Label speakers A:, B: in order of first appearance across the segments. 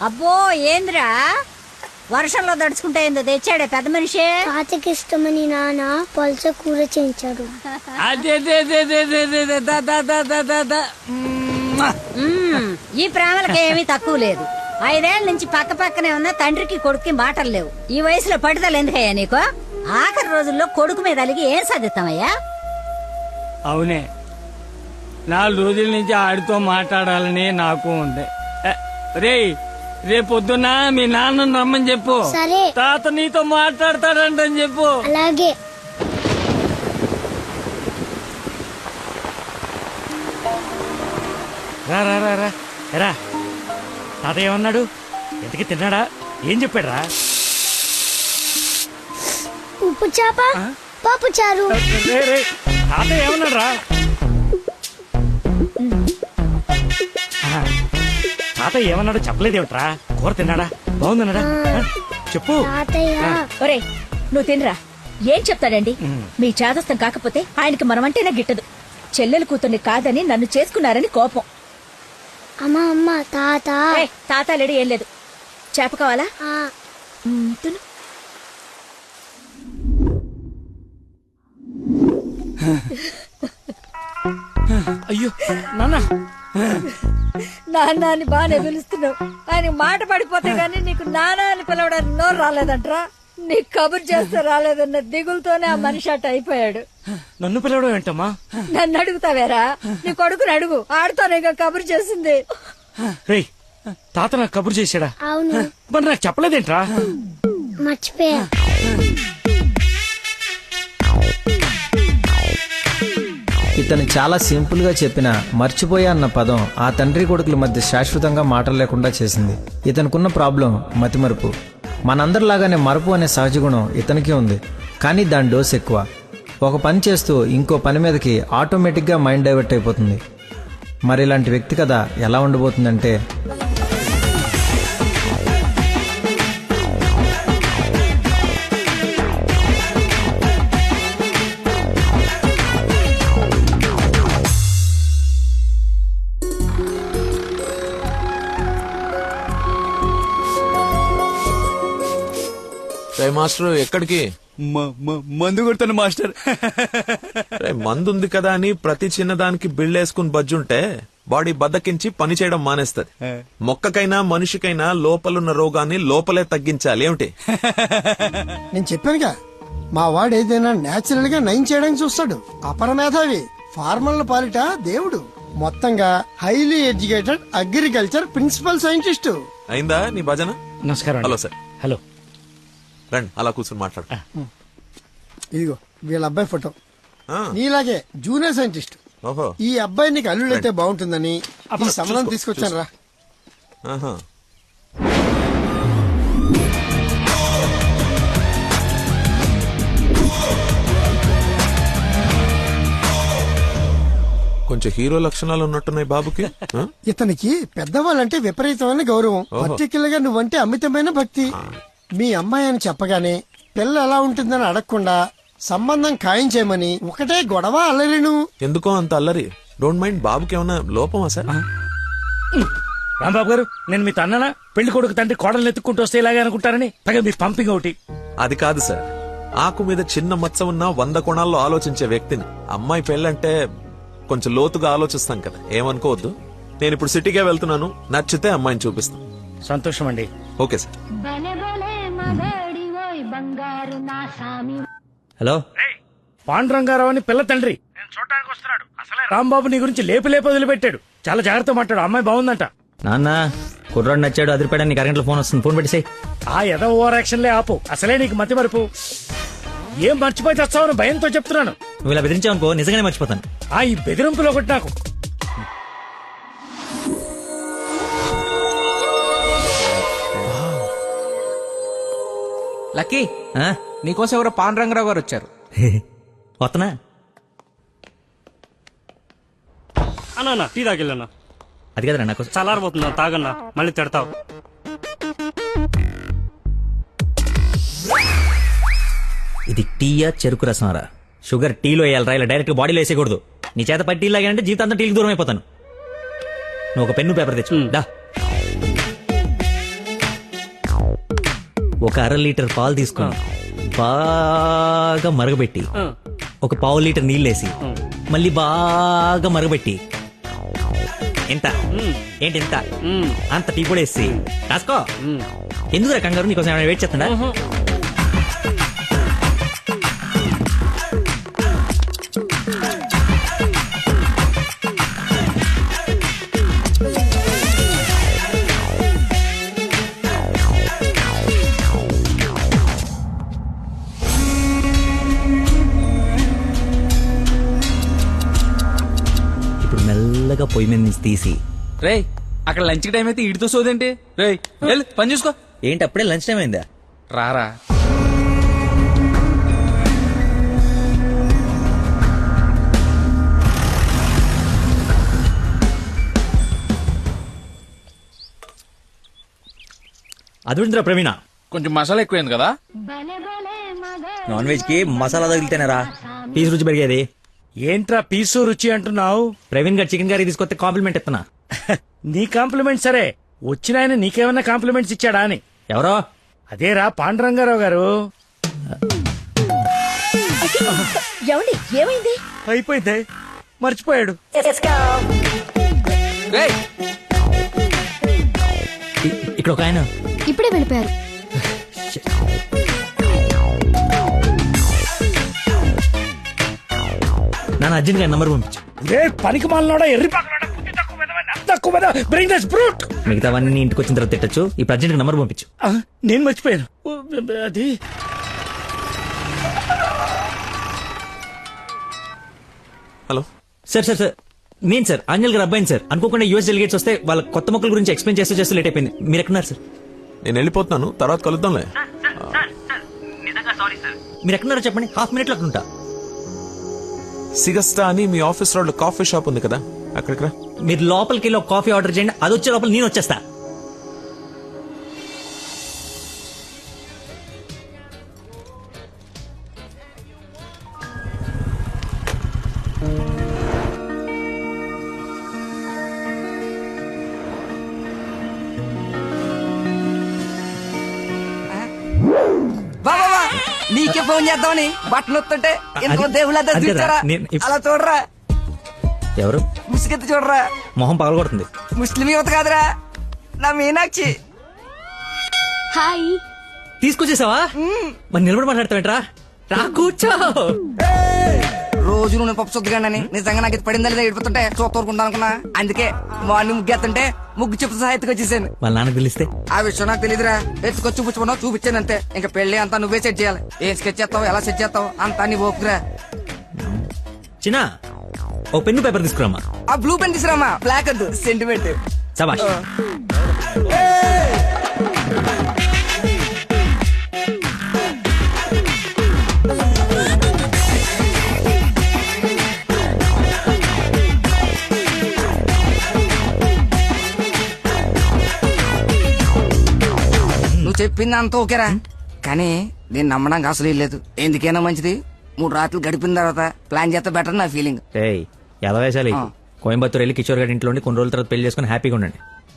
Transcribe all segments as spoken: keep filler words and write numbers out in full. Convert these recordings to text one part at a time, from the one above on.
A: అబ్బో ఏంద్రా వర్షంలో దడుచుకుంటే ఏందో తెచ్చాడే పెద్ద మనిషి.
B: తాతకి ఇష్టమని నాన్న పల్స కూర చేయించాడు.
A: ఈ ప్రేమలకి ఏమీ తక్కువ లేదు. ఐదేళ్ల నుంచి పక్క పక్కనే ఉన్న తండ్రికి కొడుక్కి మాటలు లేవు. ఈ వయసులో పట్టుదల ఎందుకయ్యా నీకు? ఆఖరి రోజుల్లో కొడుకు మీద అలిగి ఏం సాధిస్తామయ్యా?
C: అవునే, నాలుగు రోజుల నుంచి ఆడితో మాట్లాడాలని నాకు ఉంది. రే రేపొద్దున మీ నాన్న రమ్మని చెప్పు.
B: సరే.
C: తాత నీతో మాట్లాడతాడంటని చెప్పు.
B: అలాగే.
D: రా రా రా రా రా తాత ఏమన్నాడు? ఎంతకి తిన్నాడా? ఏం చెప్పాడు రా?
B: ఉప్పు చేప పప్పు చారు.
D: తాత ఏమన్నాడు రా? తాత ఏమన్నాడు చెప్పలేదేమిట్రా? కూర తిన్నాడా? బాగుందన్నాడా? చెప్పు.
A: ఒరే నువ్వు తినరా. ఏం చెప్తాడండి? మీ చాదస్తం కాకపోతే ఆయనకి మనమంటేనే గిట్టదు. చెల్లెలు కూతుర్ని కాదని నన్ను చేసుకున్నారని కోపం.
B: అమ్మా అమ్మ తాత.
A: తాత లేడు ఏం లేదు. చేప కావాలా? తిను.
D: అయ్యో నాన్న
A: నాన్న అని బాగానే పిలుస్తున్నావు. ఆయన మాట పడిపోతే గానీ నీకు నాన్న అని పిలవడానికి నోరు రాలేదంట్రా. నీకు కబురు చేస్తే రాలేదన్న దిగులతోనే ఆ మనిషి అట్ట అయిపోయాడు.
D: నన్ను పిలవడం ఏంటమ్మా?
A: నన్ను అడుగుతావేరా? నీ కొడుకుని అడుగు. ఆడుతోనే కబురు చేసింది.
D: రేయ్ తాత నాకు కబురు చేశాడా?
B: అవును.
D: మరి నాకు చెప్పలేదేంట్రా?
B: మర్చిపోయా.
E: ఇతను చాలా సింపుల్ గా చెప్పిన మర్చిపోయా అన్న పదం ఆ తండ్రి కొడుకుల మధ్య శాశ్వతంగా మాటలు లేకుండా చేసింది. ఇతనుకున్న ప్రాబ్లం మతిమరుపు. మనందరిలాగానే మరపు అనే సహజ గుణం ఇతనికి ఉంది, కానీ దాని డోస్ ఎక్కువ. ఒక పని చేస్తూ ఇంకో పని మీదకి ఆటోమేటిక్గా మైండ్ డైవర్ట్ అయిపోతుంది. మరి ఇలాంటి వ్యక్తి కథ ఎలా ఉండబోతుందంటే,
F: మాస్టర్ ఎక్కడికి?
C: మందు కొడతాను మాస్టర్.
F: మందు ఉంది కదా అని ప్రతి చిన్నదానికి బిళ్ళేసుకుని బజ్జుంటే బాడీ బద్దకించి పని చేయడం మానేస్తది. మొక్కకైనా మనిషికైనా లోపలున్న రోగాన్ని లోపలే తగ్గించాలి. ఏమిటి?
G: నేను చెప్పానుగా, మా వాడు ఏదైనా నేచురల్ గా నయం చేయడానికి చూస్తాడు. అపరమేధావి, ఫార్మల్ పాలిట దేవుడు. మొత్తంగా highly educated agriculture principal scientist.
F: అయిందా నీ భజన?
D: నమస్కారం.
F: Hello sir.
D: హలో
F: రండి అలా కూర్చొని మాట్లాడు.
G: ఇదిగో వీళ్ళ అబ్బాయి ఫోటో.
F: ఆ.
G: నీలాగే జూనియర్ సైంటిస్ట్.
F: ఓహో.
G: ఈ అబ్బాయి నీకు అల్లుడైతే బాగుంటుందని ఈ సంబంధం తీసుకొచ్చాను రా.
F: ఆహా. కొంచెం హీరో లక్షణాలు ఉన్నట్టున్నాయి బాబుకి. ఆ?
G: ఇతనికి పెద్దవాళ్ళంటే విపరీతమైన గౌరవం, పర్టికులర్ గా నువ్వంటే అమితమైన భక్తి. మీ అమ్మాయి అని చెప్పగానే పిల్ల ఎలా ఉంటుందని అడగకుండా సంబంధం ఖాయం చేయమని ఒకటే గొడవ అల్లరిను.
F: ఎందుకో అంత అల్లరి? Don't mind. బాబుకి ఏమన్నా లోపమా సార్?
D: రాంబాబు గారు, నేను మీ తన్ననా? పెళ్లి కొడుకు తండ్రి కోడలు ఎత్తుక్కుంటూ వస్తే ఇలాగే అనుకుంటారని పైగా మీ పంపింగ్ ఒకటి.
F: అది కాదు సార్, ఆకు మీద చిన్న మచ్చ ఉన్న వంద కోణాల్లో ఆలోచించే వ్యక్తిని. అమ్మాయి పెళ్ళంటే కొంచెం లోతుగా ఆలోచిస్తాం కదా, ఏమనుకోవద్దు. నేను ఇప్పుడు సిటీకే వెళ్తున్నాను, నచ్చితే అమ్మాయిని చూపిస్తాను.
D: సంతోషం అండి.
F: Okay sir.
E: హలో
D: పాండురంగారావు అని పిల్ల తండ్రి నేను చూడటానికి వస్తున్నాడు. అసలే రాంబాబు నీ గురించి లేపు లేపు వదిలిపెట్టాడు. చాలా జాగ్రత్త మాట్లాడు. అమ్మాయి బాగుందంట.
E: నాన్న కుర్రాడు నచ్చాడు, అదిరిపాడని నీకు అరగంటలో ఫోన్ వస్తుంది, ఫోన్ పెట్టేసాయి.
D: ఆ ఎద ఓవర్ యాక్షన్లే ఆపు. అసలే నీకు మతి మరుపు. ఏం మర్చిపోయి తెస్తావని భయంతో చెప్తున్నాను.
E: నువ్వు ఇలా బెదిరించావనుకో నిజంగానే మర్చిపోతాను.
D: ఆ ఈ బెదిరింపులో ఒకటి నాకు.
H: లక్కీ, నీకోసం ఎవరో పాండురంగరావు గారు వచ్చారు.
E: వస్తున్నా
C: అన్నా టీ తాగిల్లన్నా.
E: అది కదరా నాకు
C: చల్లారబోతున్నా, తాగన్నా మళ్ళీ తిడతావు.
E: ఇది టీయా చెరుకు రసంరా? షుగర్ టీలో వేయాలరా, ఇలా డైరెక్ట్ బాడీలో వేసేయకూడదు. నీ చేత పట్టి టీ లాగానంటే జీవితాంతం టీకి దూరం అయిపోతాను. నువ్వు ఒక పెన్ను పేపర్ తెచ్చు. దా
I: ఒక అర లీటర్ పాలు తీసుకొని బాగా మరగబెట్టి ఒక పావు లీటర్ నీళ్ళేసి మళ్ళీ బాగా మరగబెట్టి ఎంత ఏంటి ఎంత అంత టీ కూడా వేసి రాసుకో. ఎందుకు కంగారు, నీకోసం ఏమైనా వెయిట్ చేస్తుందా? మెల్లగా పొయ్యి మీద నుంచి తీసి
H: రేయ్ అక్కడ లంచ్ టైం అయితే ఇడితో సోదేంటి? రేయ్ వెళ్ళు పని చూసుకో.
I: ఏంటి అప్పుడే లంచ్ టైం అయిందా?
H: రారా
I: అదుందిరా ప్రవీణ,
H: కొంచెం మసాలా ఎక్కువైంది కదా.
I: నాన్ వెజ్ కి మసాలా తగిలితేనేరా పీస్ రుచి పెరిగేది.
D: ఏంట్రా పీసు రుచి అంటున్నావు?
I: ప్రవీణ్ గారు చికెన్ కర్రీ తీసుకొస్తే కాంప్లిమెంట్ ఇస్తున్నా.
D: నీ కాంప్లిమెంట్ సరే, వచ్చిన ఆయన నీకేమన్నా కాంప్లిమెంట్స్ ఇచ్చాడా అని.
I: ఎవరో
D: అదేరా పాండురంగారావు గారు.
A: ఏమండి ఏమైంది?
D: అయిపోయింది, మర్చిపోయాడు.
H: రేయ్
I: ఇ- ఇక్కడ ఒక ఆయన
B: ఇప్పుడే వెళ్ళిపోయారు.
I: నాన్న అర్జున్ గారి నంబర్ పంపించు.
D: రే పనికి మాలనోడా, ఎర్రి పక్కనోడా, బుద్ధి తక్కువ వెధవా, నాకు తక్కువ వెధవా, bring this brute.
I: మిగతావన్నీ ఇంటికి వచ్చిన తర్వాత తిట్టచ్చు. ఇప్పుడు అర్జెంట్ నంబర్ పంపించు.
D: ఆ, నేను మర్చిపోయాను. ఓ, అది
F: హలో
I: సార్ సార్ సార్ నేను సార్ ఆంజల్ గారు అబ్బాయిని సార్. అనుకోకుండా యూఎస్ డెలిగేట్స్ వస్తే వాళ్ళ కొత్త మొక్కల గురించి ఎక్స్ప్లెయిన్ చేస్తూ చేస్తూ లేట్ అయిపోయింది. మీరు ఎక్కడున్నారు సార్?
F: నేను వెళ్ళిపోతున్నాను, తర్వాత కలుద్దాంలే.
I: మీరు ఎక్కడున్నారో చెప్పండి, హాఫ్ మినిట్ లో అక్కడ ఉంటా.
F: సిగస్టా అని మీ ఆఫీస్ రోడ్ లో కాఫీ షాప్ ఉంది కదా, అక్కడికి రా.
I: మీరు లోపలికి వెళ్ళి ఒక కాఫీ ఆర్డర్ చేయండి, అది వచ్చే లోపల నేను వచ్చేస్తా.
J: బాబా నీకే ఫోన్ చేద్దామని బట్టలు వస్తుంటే ఎందుకో దేవుళ్ళ
I: అది కదా,
J: చూచారా?
I: నేను ఇప్-
J: అలా చూడరా,
I: ఎవరు?
J: ముసుగెత్తి చూడరా.
I: మొహం పగలగొడుతుంది.
J: ముస్లిం యువత కాదురా, నా మీనాక్షి.
B: హాయ్.
I: తీసుకొచ్చేసావా? మరి నిలబడి మాట్లాడతావేంట్రా? రా కూర్చో.
J: రోజు నువ్వు పప్పు చుద్దగానని నిజంగా నాకు ఇది పడిందా లేదా ఏడిపోతుంటే చూస్తూరుకుంటా అనుకున్నా. అందుకే మార్నింగ్ ముగ్గు ఎత్తుంటే ముగ్గు చెప్తూ సహా ఎత్తుకొచ్చేసాను.
I: వాళ్ళ నాన్నకు తెలిస్తే
J: ఆ విషయం నాకు తెలియదురా, ఎత్తుకొచ్చి చూపించుకున్నావు, చూపించాను అంతే. ఇంకా పెళ్లి అంతా నువ్వే సెట్ చేయాలి. ఏం స్కెచ్ చేస్తావు, ఎలా సెట్ చేస్తావు అంతా నీ ఓపుకురా.
I: చిన్న ఓ పెన్ను పేపర్ తీసుకురామా.
J: ఆ బ్లూ పెన్ తీసురామా, బ్లాక్ వద్దు, సెంటిమెంట్.
I: సబాష్.
J: నువ్వు చెప్పింది అంత ఓకేరా, కానీ నేను నమ్మడానికి అసలు లేదు. ఎందుకైనా మంచిది మూడు రాత్రులు గడిపిన తర్వాత ప్లాన్ చేస్తే బెటర్ నా ఫీలింగ్.
I: ఏయ్ ఎలా వేసాలి?
J: ఆ.
I: కోయంబత్తూర్ వెళ్ళి కిషోర్ గారి ఇంట్లో ఉండి కొన్ని రోజుల తర్వాత పెళ్లి చేసుకుని హ్యాపీగా ఉండండి.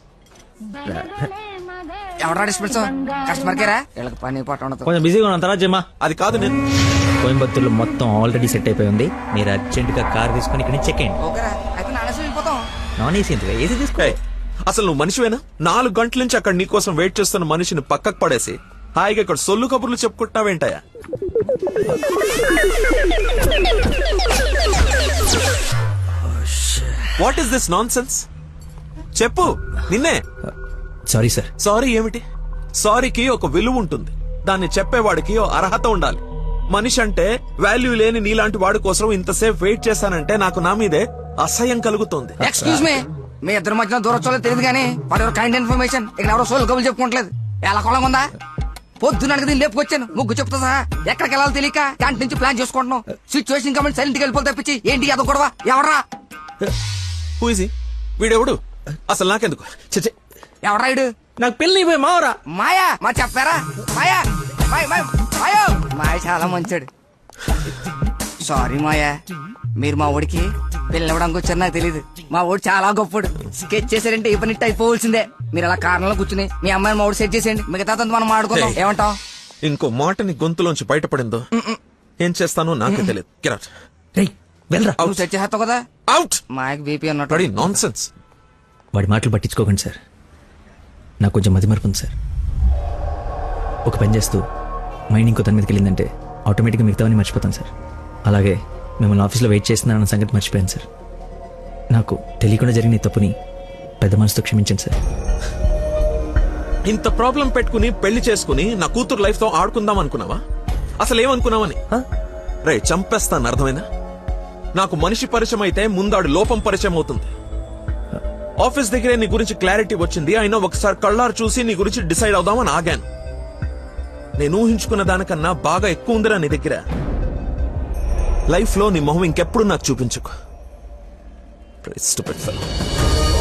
J: ఎవరా డిస్పెన్స్ కస్టమర్ కేరా, వీళ్ళకి పని పాట ఉండదు.
I: కొంచెం బిజీగా ఉన్నాం, తర్వాత జమ్మా.
F: అది కాదు, నేను
I: కోయంబత్తూర్లో మొత్తం ఆల్రెడీ సెట్ అయిపోయి ఉంది. మీరు అర్జెంట్ గా కార్ తీసుకుని ఇక్కడ నుంచి చెక్ అయ్యండి.
J: ఓకేరా, అయితే నానేసి వెళ్ళిపోతాం.
I: నాన్ ఏసీ ఎందుకు? ఏసీ తీసుకో.
F: ఏయ్, అసలు నువ్వు మనిషివేనా? నాలుగు గంటల నుంచి అక్కడ నీకోసం వెయిట్ చేస్తున్న మనిషిని పక్కకు పడేసి హాయిగా ఇక్కడ సొల్లు కబుర్లు చెప్పుకుంటున్నావేంటయా? What is this nonsense? చెప్పు, నిన్నే.
I: Sorry sir.
F: సారీ ఏమిటి? సారీకి ఒక విలువ ఉంటుంది, దాన్ని చెప్పేవాడికి ఓ అర్హత ఉండాలి. మనిషి అంటే వాల్యూ లేని నీలాంటి వాడి కోసం ఇంతసేపు వెయిట్ చేశానంటే నాకు నా మీదే అసహ్యం కలుగుతోంది.
J: ఎక్స్క్యూజ్ మీ, మీ ఇద్దరి మధ్యన దూరం చూడలేదు తెలియదు కానీ వాడు ఎవరు కైండ్ ఇన్ఫర్మేషన్ ఇక్కడ ఎవరో సోల్ కబులు చెప్పుకోవట్లేదు. ఎలా కొలం ఉందా? పొద్దున అడిగి లేపుకొచ్చాను, ముగ్గు చెప్తా సహా ఎక్కడికి వెళ్ళాలో తెలియక క్యాంటీన్ నుంచి ప్లాన్ చేసుకుంటున్నాం. సిచ్యువేషన్ కాబట్టి సైలెంట్ గా వెళ్ళిపోతే తప్పించి ఏంటి అదో గొడవ? ఎవరా
F: Who is he? వీడెవడు? అసలు నాకెందుకు? చచ్చే,
J: ఎవరా ఇడు?
I: నాకు పెళ్లి అయిపోయి మావరా.
J: మాయా మా చెప్పారా? మాయా మాయ మాయ మాయో మాయ చాలా మంచాడు. సారీ మాయా, మీరు మా ఊడికి పిల్లవడానికి వచ్చారు నాకు తెలియదు. మా ఊడు చాలా గొప్పడు, స్కెచ్ చేశారంటే ఈ పని అయిపోవలసిందే. మీరు అలా కారణంలో కూర్చుని మీ అమ్మాయిని మౌడు సెట్ చేసేయండి, మిగతా మనం ఆడుకుందాం.
F: Hey.
J: ఏమంటావ్?
F: ఇంకో మాట నీ గొంతులోంచి బయటపడిందో ఏం చేస్తానో నాకే తెలియదు. Get out.
I: రేయ్ వెళ్ళరా.
J: నువ్వు సెట్ చేస్తావు కదా.
F: Out.
J: మాయకు బీపీ అన్నట్టు.
F: Bloody nonsense.
I: వాడి మాటలు పట్టించుకోకండి సార్, నాకు కొంచెం మతిమరుపు ఉంది సార్. ఒక పని చేస్తూ మైండ్ ఇంకో తన మీదకి వెళ్ళిందంటే ఆటోమేటిక్గా మిగతావన్నీ మర్చిపోతాను సార్. అలాగే మిమ్మల్ని ఆఫీస్లో వెయిట్ చేస్తున్నానన్న సంగతి మర్చిపోయాను సార్. నాకు తెలియకుండా జరిగిన ఈ తప్పుని పెద్ద మనసుతో క్షమించండి సార్.
F: ఇంత ప్రాబ్లం పెట్టుకుని పెళ్లి చేసుకుని నా కూతురు లైఫ్ తో ఆడుకుందాం అనుకున్నావా? అసలు ఏమనుకున్నావని? రే చంపేస్తాను, అర్థమైనా? నాకు మనిషి పరిచయం అయితే ముందాడు లోపం పరిచయం అవుతుంది. ఆఫీస్ దగ్గరే నీ గురించి క్లారిటీ వచ్చింది, అయినా ఒకసారి కళ్ళారు చూసి నీ గురించి డిసైడ్ అవుదామని ఆగాను. నేను ఊహించుకున్న దానికన్నా బాగా ఎక్కువ ఉందిరా నీ దగ్గర. లైఫ్ లో నీ మొహం ఇంకెప్పుడు నాకు చూపించుకో. Stupid fellow.